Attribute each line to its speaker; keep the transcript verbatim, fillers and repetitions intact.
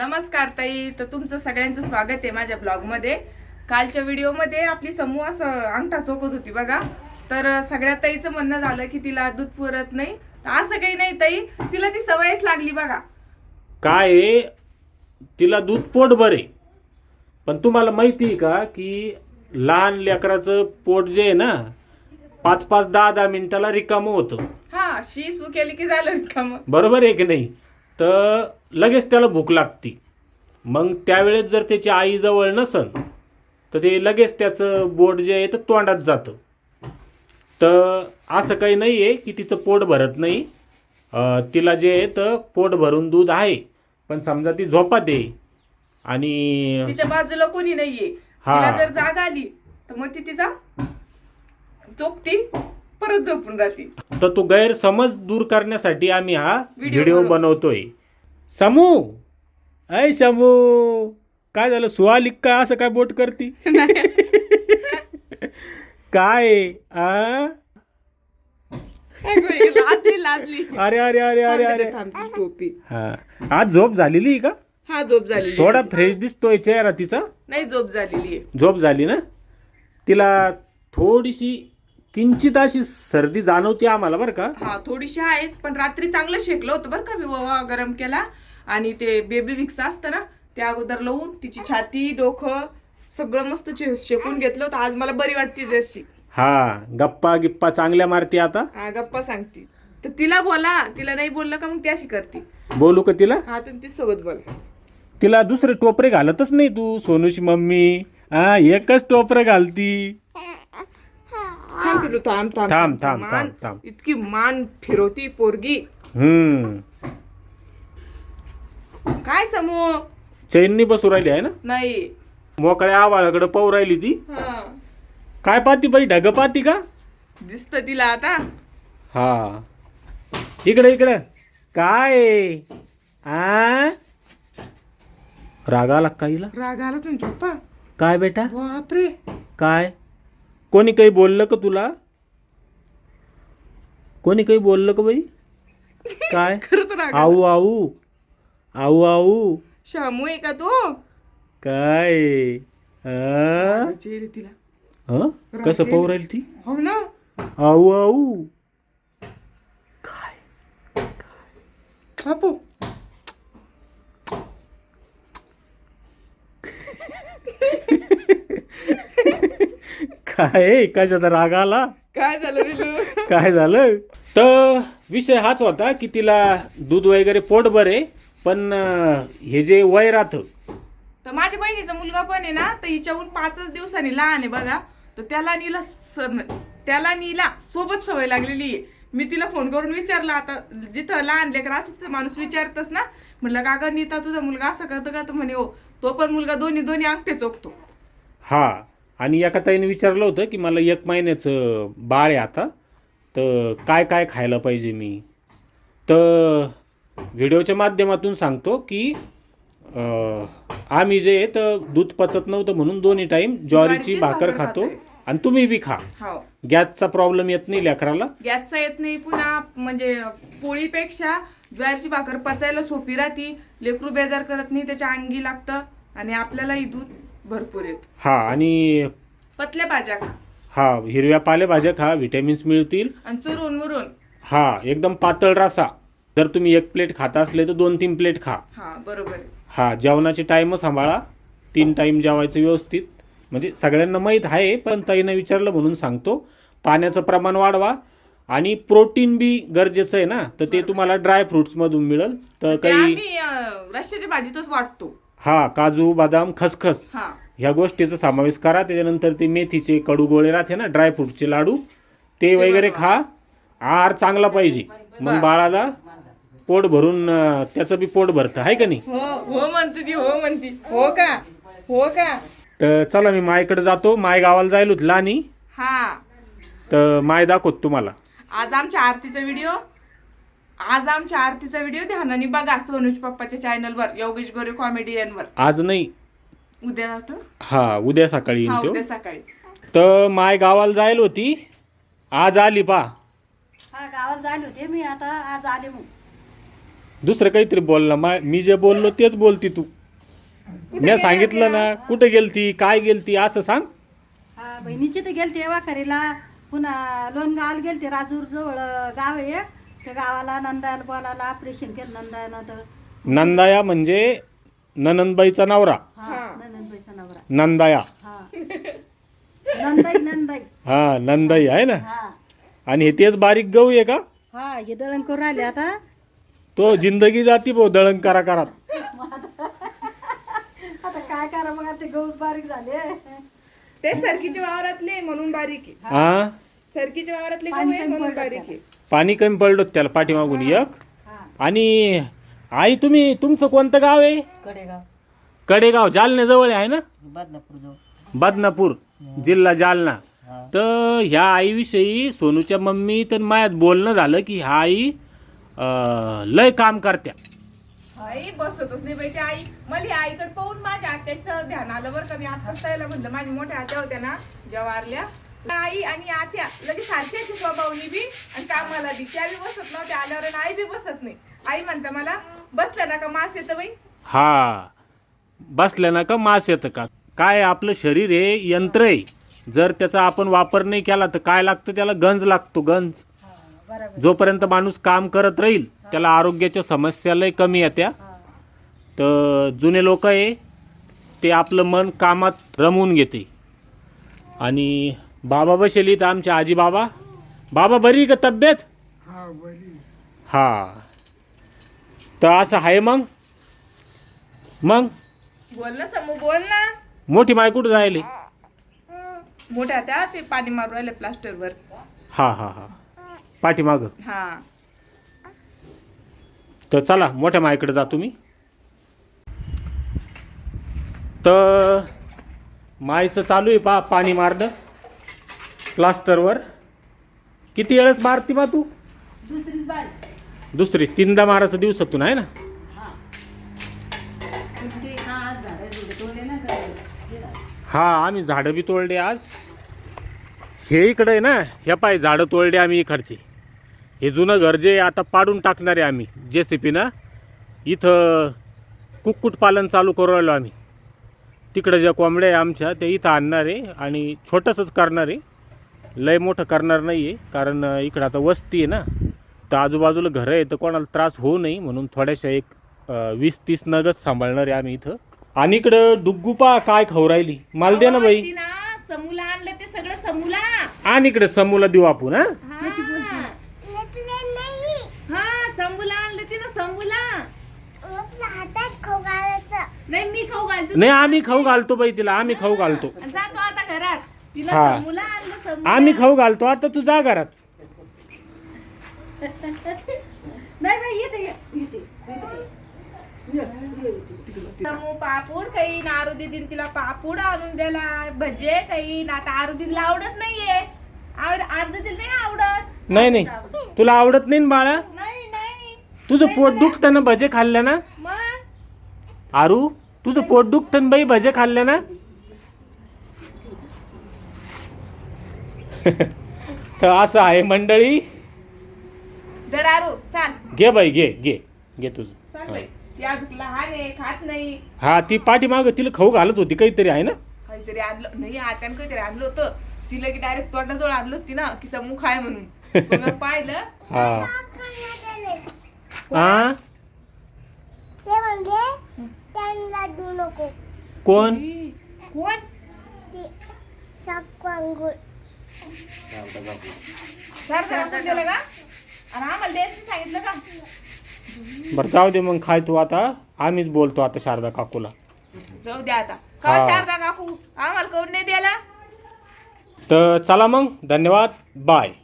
Speaker 1: नमस्कार ताई, तर तुमचं सगळ्यांचं स्वागत आहे माझ्या ब्लॉग मध्ये। कालच्या व्हिडिओ मध्ये आपली समूह असं अंगठा चोकत होती बघा, तर सगळ्या ताईचं म्हणणं झालं की तिला दूध पुरत नाही। तर असं काही नाही ताई, तिला ती सवयच लागली बघा।
Speaker 2: काय आहे, तिला दूध पोट भरे, पण तुम्हाला माहिती आहे का की लहान लेकराचं पोट जे आहे ना पाच पाच दहा दहा मिनिटाला रिकामं होतं।
Speaker 1: हा, शी सू केली की झालं रिकामं,
Speaker 2: बरोबर आहे की नाही? तर लगेच त्याला भूक लागती। मग त्यावेळेस जर त्याची आई जवळ नसन तर ते लगेच त्याचं बोट जे आहे तर तोंडात जातं। तर असं काही नाही आहे की तिचं पोट भरत नाही, तिला जे आहे तर पोट भरून दूध आहे, पण समजा ती झोपात आहे आणि
Speaker 1: तिच्या बाजूला कोणी नाहीये, तिला जर जाग आली तर मग ती तिचा चोकती परत झोपून राहते।
Speaker 2: तर तो गैरसमज दूर करण्यासाठी आम्ही हा व्हिडिओ बनवतोय। समू, ऐ समू, काय झालं? सुहालिक का असं काय बोट करती? काय आ?
Speaker 1: लाजली लाजली
Speaker 2: अरे अरे अरे अरे अरे
Speaker 1: टोपी।
Speaker 2: हा, आज झोप झालेली आहे का?
Speaker 1: हा, झोप झाली।
Speaker 2: थोडा फ्रेश दिसतोय चेहरा तिचा।
Speaker 1: नाही, झोप झालेली आहे।
Speaker 2: झोप झाली ना? तिला थोडीशी किंचित अशी सर्दी जाणवते आम्हाला बरं का।
Speaker 1: हा, थोडीशी आहेच, पण रात्री चांगलं शेकलं होतं बरं का मी, ववा गरम केला आणि ते बेबी विक्स असतं ना त्या अगोदर लावून तिची छाती डोकं सगळं मस्त शेकून घेतलं होतं। आज मला बरी वाटते जरशी।
Speaker 2: हा, गप्पा गिप्पा चांगल्या मारती आता।
Speaker 1: हा, गप्पा सांगते तर तिला बोला, तिला नाही बोललं का मग ती अशी करते।
Speaker 2: बोलू का तिला?
Speaker 1: हा, तुम्ही ती सोबत बोला।
Speaker 2: तिला दुसरे टोपरे घालतच नाही तू, सोनूची मम्मी। हा, एकच टोपरं घालती।
Speaker 1: थांब पिलू, थांब थांब
Speaker 2: थांब थांब
Speaker 1: मान-
Speaker 2: थांब थांब
Speaker 1: इतकी मान फिरवती पोरगी।
Speaker 2: हम्म,
Speaker 1: काय समूह
Speaker 2: चैननी बसू राहिली आहे ना?
Speaker 1: नाही।
Speaker 2: मोकळ्या आवाळाकडे पाहू राहिली ती।
Speaker 1: हा,
Speaker 2: काय पाहती बाई, ढग पाहती का?
Speaker 1: दिसत तिला आता।
Speaker 2: हा, इकडे इकडे काय आहे? आ, राग आला का हिला?
Speaker 1: राग आला तुमच्या पप्पा?
Speaker 2: काय बेटा?
Speaker 1: बापरे,
Speaker 2: काय? कोणी काही बोललं का तुला? कोणी काही बोललं का बाई? काय?
Speaker 1: खरंच राग आला।
Speaker 2: आऊ आऊ आऊ आऊ
Speaker 1: शामू आहे का तू?
Speaker 2: काय? आ?
Speaker 1: चेहरे तिला।
Speaker 2: हं? कसं पाहू राहील ती?
Speaker 1: हो ना।
Speaker 2: आऊ आऊ काय?
Speaker 1: बापू,
Speaker 2: काय? कशाचा राग आला?
Speaker 1: काय झालं रे?
Speaker 2: काय झालं? तर विषय हाच होता की तिला दूध वगैरे पोट बरे, पण अं, हे जे वय राहतं,
Speaker 1: तर माझ्या बहिणीचा मुलगा पण आहे ना, तर हिच्याहून पाचच दिवसांनी लहान आहे बघा, तर त्याला नीला स- त्याला नीला सोबत सवय लागलेली आहे। मी तिला फोन करून विचारलं, आता जिथं लहान लेकर असतं तिथं माणूस विचारतच ना, म्हटलं का गं नीता तुझा मुलगा असं करतो का? तर म्हणे हो, तो पण मुलगा दोन्ही दोन्ही अंगठे चोखतो।
Speaker 2: हा। आणि एका ताईने विचारलं होतं की मला एक महिन्याचं बाळ आहे आता, तर काय काय खायला पाहिजे मी? तर व्हिडिओच्या माध्यमातून सांगतो की अं, आम्ही जे आहे तर दूध पचत नव्हतं म्हणून दोन्ही टाईम ज्वारीची भाकर खातो, आणि तुम्ही बी खा।
Speaker 1: हो,
Speaker 2: गॅसचा प्रॉब्लेम येत नाही लेकराला।
Speaker 1: गॅसचा येत नाही, पुन्हा म्हणजे पोळीपेक्षा ज्वारीची भाकर पचायला सोपी राहती, लेकरू बेजार करत नाही, त्याच्या अंगी लागतं आणि आपल्यालाही दूध भरपूर येत।
Speaker 2: हा, आणि
Speaker 1: पतल्या भाज्या खा
Speaker 2: हा, हिरव्या पालेभाज्या खा, व्हिटॅमिन्स मिळतील।
Speaker 1: आणि चुरून मुरून।
Speaker 2: हा, एकदम पातळ रसा। जर तुम्ही एक प्लेट खाता असले तर दोन तीन प्लेट खा।
Speaker 1: हा, बरोबर आहे।
Speaker 2: हा, जेवणाची टाईम सांभाळा, तीन टाईम जेवायचं व्यवस्थित, म्हणजे सगळ्यांना माहीत आहे, पण ताईनं विचारलं म्हणून सांगतो। पाण्याचं प्रमाण वाढवा, आणि प्रोटीन बी गरजेचं आहे ना, तर ते तुम्हाला ड्राय फ्रुट्समधून मिळेल। तर
Speaker 1: ते
Speaker 2: काही
Speaker 1: आम्ही अं, रश्श्याच्या भाजीतच वाटतो।
Speaker 2: हा, काजू बदाम खसखस
Speaker 1: हा,
Speaker 2: ह्या गोष्टीचा समावेश करा। त्याच्यानंतर ते मेथीचे कडू गोळे राहते ना, ड्रायफ्रूटचे लाडू, ते वगैरे खा। आहार चांगला पाहिजे, मग बाळाला पोट भरून अं, त्याचं बी पोट भरतं, आहे का नाही?
Speaker 1: हो हो म्हणते ती, हो म्हणती, हो का, हो का।
Speaker 2: तर चला, मी मायकडे जातो, माय गावाला जायला होत लहानी,
Speaker 1: हा,
Speaker 2: तर माय दाखवत तुम्हाला।
Speaker 1: आज आमच्या आरतीचा व्हिडिओ आज आमच्या आरतीचा व्हिडिओ ध्यानाने बघा सोनूज पप्पाच्या चॅनलवर, योगेश गोरे कॉमेडियनवर।
Speaker 2: आज नाही,
Speaker 1: उद्या जातो।
Speaker 2: हा, उद्या सकाळी
Speaker 1: हा,
Speaker 2: येईन
Speaker 1: उद्या
Speaker 2: तो।
Speaker 1: सकाळी।
Speaker 2: तर माय गावाला जायला होती, आज आली पा।
Speaker 3: हा, गावाला झाले होते मी, आता आज आले मग।
Speaker 2: दुसरं काहीतरी बोल ना मा मी जे बोललो तेच बोलती तू. मी सांगितलं ना कुठे गेलती काय गेलती असं सांग.
Speaker 3: हा बहिणीची तर गेलते वाखरीला, पुन्हा लोणगावला गेलते, राजूर जवळ गाव आहे एक, त्या गावाला नंदायला बोलायला ऑपरेशन केलं नंदायनं तर.
Speaker 2: नंदाया म्हणजे ननंदबाईचा नवरा.
Speaker 3: हा नंदबाईचा नवरा.
Speaker 2: नंदाया.
Speaker 3: हा नंदाई नंदाई.
Speaker 2: हा नंदाई आहे ना.
Speaker 3: हा
Speaker 2: आणि हे तेच बारीक गहू आहे का?
Speaker 3: हा हे दळण करून राहिले आता.
Speaker 2: तो जिंदगी जाती भाऊ दळण करा करात.
Speaker 3: आता काय करा मग, आता गहू बारीक झाले.
Speaker 1: ते सरकीच्या वावरातले म्हणून बारीक आहे.
Speaker 2: हा
Speaker 1: सरकीच्या वावरातले गहू
Speaker 3: पाणी
Speaker 1: आहे
Speaker 3: कमी
Speaker 1: म्हणून
Speaker 3: पडलं
Speaker 1: बारीक आहे.
Speaker 2: पाणी कमी पडलं त्याला पाठीमागून एक.
Speaker 3: हा
Speaker 2: आणि आई तुम्ही तुमचं कोणतं गाव आहे?
Speaker 3: कडेगाव
Speaker 2: कडेगाव जालन्याजवळ आहे ना.
Speaker 3: बदनापूर जवळ.
Speaker 2: बदनापूर जिल्हा जालना. तर ह्या आईविषयी सोनूच्या मम्मी तर मायात बोलणं झालं की ह्या आई अं, लय काम करत्या.
Speaker 1: आई बसतच नाही बाई ती आई. मला ही आईकडे पाहून माझ्या आत्याचं ध्यान आलं बरं का. मी आता यायला म्हणलं, माझ्या मोठ्या आत्या होत्या ना ज्या वारल्या, आई आणि आत्या लगेच सारख्याची स्वभावनी बी आणि कामाला बी. त्या बी बसत नव्हत्या, आल्यावर आणि आई बी बसत नाही. आई म्हणता मला बसल्या ना का मास येतं बाई.
Speaker 2: हा बसल्या ना का मास येतं का. काय आपलं शरीर हे यंत्र आहे. जर त्याचा आपण वापर नाही केला तर काय लागतं त्याला, गंज लागतो गंज. जोपर्यंत माणूस काम करत राहील त्याला आरोग्याच्या समस्या लय कमी येत्या. तर जुने लोक आहे ते आपलं मन कामात रमवून घेते. आणि बाबा बसेली तर आमचे आजी बाबा. बाबा बरी का तब्येत? हा तर असं आहे. मग मग
Speaker 1: बोल ना समू, बोल ना.
Speaker 2: मोठी माय कुठं जायले?
Speaker 1: मोठ्या त्या ते पाणी मारू राहिले प्लास्टरवर.
Speaker 2: हा हा हा पाठीमाग.
Speaker 1: हा
Speaker 2: तर चला मोठ्या मायकडे जा तुम्ही. तर मायचं चालू आहे पा पाणी मारणं प्लास्टरवर. किती वेळेस मारती बा तू?
Speaker 3: दुसरीच बारी.
Speaker 2: दुसरी तीनदा मारायचं दिवसातून आहे ना.
Speaker 3: हा ते हा आज झाडं जुडं तोडले ना तर.
Speaker 2: हा आम्ही झाडं बी तोडले आज. हे इकडे आहे ना, ह्या पाय झाडं तोडले आम्ही इकडचे. हे जुनं घर जे आता पाडून टाकणार आहे आम्ही जे सी पीनं. इथं कुक्कुटपालन चालू करू राहिलो आम्ही. तिकडं ज्या कोंबड्या आहे आमच्या त्या इथं आणणार आहे आणि छोटंसंच करणार आहे, लय मोठं करणार नाही आहे. कारण इकडं आता वस्ती आहे ना, तर आजूबाजूला घरं आहे तर कोणाला त्रास होऊ नये म्हणून थोड्याशा एक अं, वीस तीस नगच सांभाळणार आहे आम्ही इथं. आणि इकडं डुग्गुपा काय खाऊ राहिली, मला दे ना बाई.
Speaker 1: ती ना समूला आणलं ते सगळं समूला.
Speaker 2: आणि इकडे समूला देऊ आपण. हा
Speaker 1: हा समूला आणलं ती ना समूला. नाही मी खाऊ घालतो.
Speaker 2: नाही आम्ही खाऊ घालतो बाई तिला, आम्ही खाऊ घालतो.
Speaker 1: जातो आता घरात. तिला
Speaker 2: हा.
Speaker 1: समूला आणलं समूला.
Speaker 2: आम्ही खाऊ घालतो. आता तू जा घरात.
Speaker 3: नाही बाई येते येते.
Speaker 1: समू पापूड काही ना आरुदी दिन तिला पापूड आणून द्याला, भजे काही ना. आता आरुदीला आवडत नाहीये. आरुदीला नाही आवडत.
Speaker 2: नाही नाही तुला आवडत नाही ना बाळा.
Speaker 1: नाही नाही
Speaker 2: तुझं पोट दुखतं ना भजे खाल्ल्या ना.
Speaker 1: मग
Speaker 2: आरू तुझं पोट दुखतं ना बाई भजे खाल्ल्या ना. तर असं आहे मंडळी.
Speaker 1: दर आरू चाल
Speaker 2: घे बाई घे घे घे तुझं.
Speaker 1: चाल बाई. ती अजून लहान आहे, खात नाही.
Speaker 2: हा ती पाठीमाग तिला खाऊ घालत होती काहीतरी आहे ना.
Speaker 1: काहीतरी आणलं नाही, आत्यानं काहीतरी आणलं होतं. तिला की डायरेक्ट तोंडाजवळ आणलं होती ना की समू खाय म्हणून. मग मी पाहिलं.
Speaker 2: हा हा
Speaker 4: ते म्हणजे त्यांना देऊ नको.
Speaker 2: कोण?
Speaker 1: ई, कोण?
Speaker 4: ती शाकवांगुळ.
Speaker 1: सर सर दिलं का? आणि आम्हाला द्यायचं सांगितलं का?
Speaker 2: बरं जाऊ दे मग खाय तू आता. आम्हीच बोलतो आता शारदा काकूला.
Speaker 1: जाऊ द्या आता. का
Speaker 2: हा.
Speaker 1: शारदा काकू आम्हाला करून नाही द्यायला?
Speaker 2: तर चला मग धन्यवाद बाय.